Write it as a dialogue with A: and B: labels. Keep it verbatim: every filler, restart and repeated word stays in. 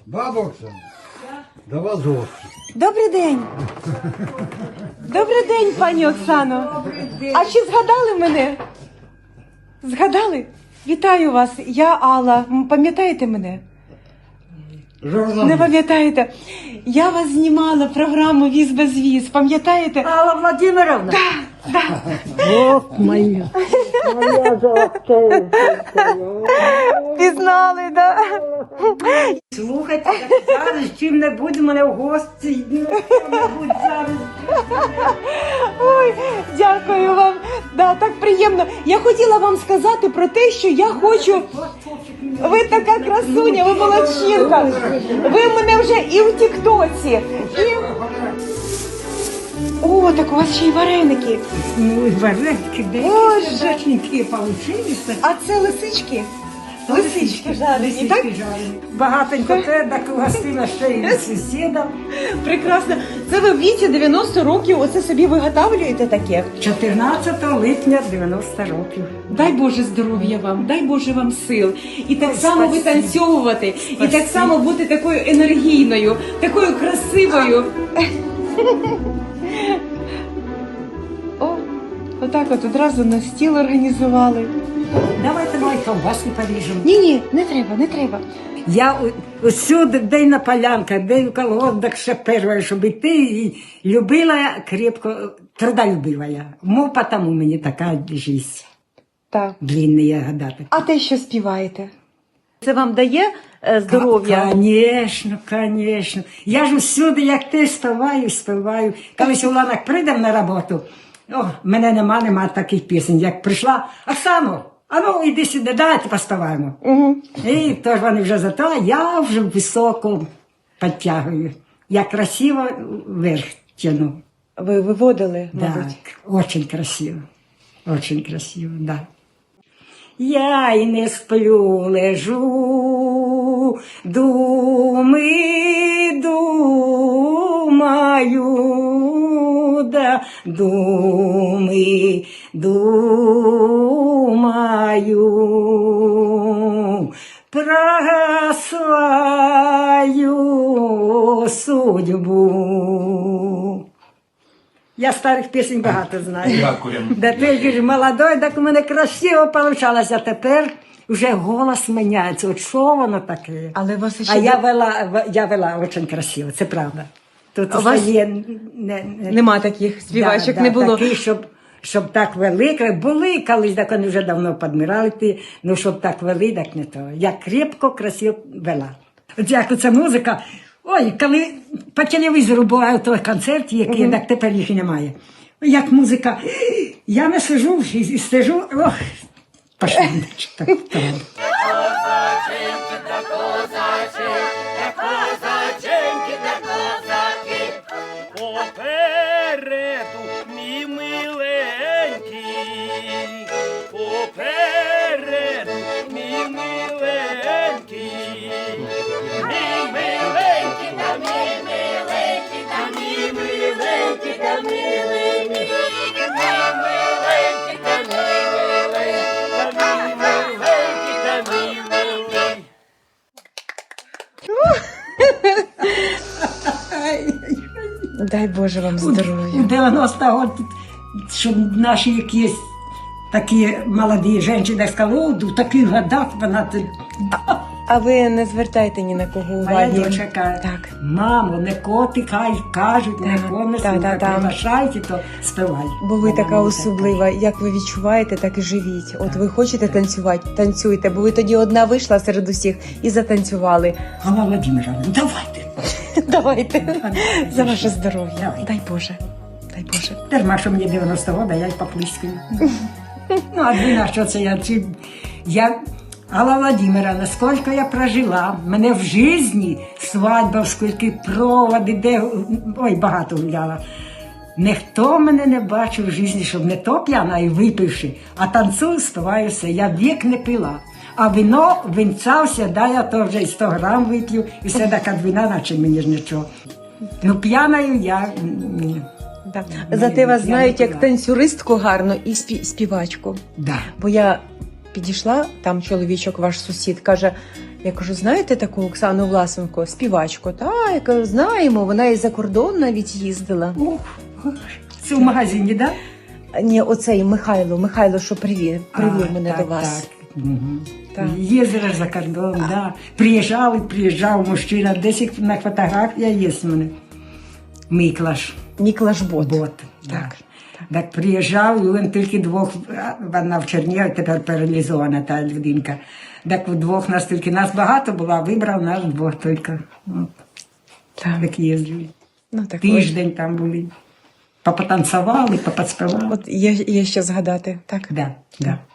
A: Баба Оксана, до вас гості.
B: Добрий день. Добрий день, пані Оксано. А чи згадали мене? Згадали? Вітаю вас. Я Алла. М, Пам'ятаєте мене? Не пам'ятаєте? Я вас знімала програму «Віз без віз». Пам'ятаєте?
C: Алла Владимировна?
B: Так, так.
C: Ох, моя. Моя золотая.
B: Пізнали, так?
C: Слухайте, зараз чим-небудь мене в гості. Ну, чим-небудь зараз.
B: Ой, дякую вам. Да, так приємно. Я хотіла вам сказати про те, що я хочу... Ви така красуня, ви молодчинка. Ви в мене вже і в тіктоці, і... О, так у вас ще й вареники.
C: Ну, і вареники, де
B: Боже.
C: смачненькі получилися.
B: А це лисички? Лисички жарені, так?
C: Лисички жарені. Багатенько те, так угостила ще й сусідам.
B: Прекрасно. Це ви в віці дев'яносто років оце собі виготовлюєте таке?
C: чотирнадцятого липня дев'яносто років.
B: Дай Боже здоров'я вам, дай Боже вам сил. І так
C: Ой,
B: само
C: спасибо.
B: витанцьовувати, і
C: Спасибо.
B: так само бути такою енергійною, такою красивою. О, отак от одразу на стіл організували.
C: Давайте мої ковбаски поріжемо.
B: Ні-ні, не треба, не треба.
C: Я у- усюди, де й на полянках, де й в колгоспах ще перша, щоб йти, і любила я крепко, трудолюбива я. Мов потому мені така життя.
B: Так.
C: Длинні я гадати.
B: А те, що співаєте? Це вам дає е, здоров'я?
C: Звісно, звісно. Я ж усюди, як ти, співаю, співаю. Колись у Ланах прийдемо на роботу, о, мене нема, нема таких пісень. Як прийшла, Оксано, а ну іди сюди, давайте поспіваємо.
B: Угу.
C: І тож вони вже за то, а я вже високо підтягую. Я красиво вверх тяну.
B: Ви виводили, мабуть?
C: Так, очень красиво. Очень красиво, да. Я й не сплю, лежу, думи, думаю, да, думи, думаю, про свою судьбу. Я старих пісень багато знаю.
D: Дякуємо.
C: Да ти ж молодой, так у мене красиво получалось, а тепер вже голос міняється. От що воно таке?
B: Але у вас ще
C: А я
B: не-
C: вела, я вела дуже красиво, це правда. Тут
B: А у вас
C: є, не, не,
B: Нема таких співачок,
C: да,
B: не
C: да,
B: було.
C: Такі, щоб, щоб так вели, були колись, так вони вже давно підмирали, ті, ну щоб так вели, так не то. Я крепко, красиво вела. От як оця музика, ой, коли по телевізору буває той концерт, який, так тепер їх і немає. Як музика, я не сижу і, і стежу, ох, пошли. Так, так.
D: Попереду, мій миленький, попереду, мій миленький, мій миленький, та мій миленький, та мій миленький, та милий мій, мій миленький, та мій миленький, та мій миленький, та мій милий.
B: Дай Боже вам
C: У
B: здоров'я.
C: дев'яносто років, щоб наші якісь такі молоді жінки сказали, о, в таких годах вона... ти-
B: А ви не звертайте ні на кого
C: А я
B: уваги.
C: дочка,
B: Так.
C: мамо, не коти хай кажуть, не
B: Так,
C: кони,
B: так, так, так.
C: приглашайте, то співай.
B: Бо ви
C: Вона
B: така
C: мені
B: особлива. Як ви відчуваєте, так і живіть. От ви хочете танцювати, танцюйте, бо ви тоді одна вийшла серед усіх і затанцювали.
C: Алла Владимировна, давайте.
B: Давайте. За ваше здоров'я.
C: Давай.
B: Дай Боже. Дай Боже.
C: Дарма, що мені дев'яносто років, а я й поплискаю. Ну, а ви на що це я? Ці- Я... Алла Владимировна, скільки я прожила, мене в житті свадьба, скільки проводи, де, ой, багато гуляла. Ніхто мене не бачив в житті, щоб не то п'яна і випивши, а танцюю, співаю все. Я вік не пила. А вино, винця все, да, я то вже і сто грам вип'ю, і все така двіна, наче мені ж нічого. Ну, п'яною я, ні.
B: Да.
C: Ну,
B: Зате
C: я
B: вас
C: не
B: знають як
C: пила.
B: танцюристку гарно і спі- співачку.
C: Да.
B: Бо я підійшла, там чоловічок, ваш сусід, каже, я кажу, знаєте таку Оксану Власенко, співачку? Та, я кажу, знаємо, вона і за кордон навіть їздила.
C: Ох, це в магазині, так? Да?
B: Ні, оцей Михайло, Михайло, що привів, привів
C: А,
B: мене
C: так,
B: до вас.
C: Так. Угу.
B: Так.
C: Їздила за кордон, так. Да. Приїжджав і приїжджав мужчина, десь на фотографія є в мене. Миклаш.
B: Міклаш Бот.
C: Бот.
B: Так.
C: Так. Так приїжджав, і він тільки двох, вона в Чернігові, тепер паралізована та людинка. Так вдвох нас тільки, нас багато було, а вибрав нас двох тільки. От.
B: Так.
C: Так їздили.
B: Ну, так
C: Тиждень там були. Попотанцювали, поподспівали.
B: От є, є що згадати, так?
C: Да, да.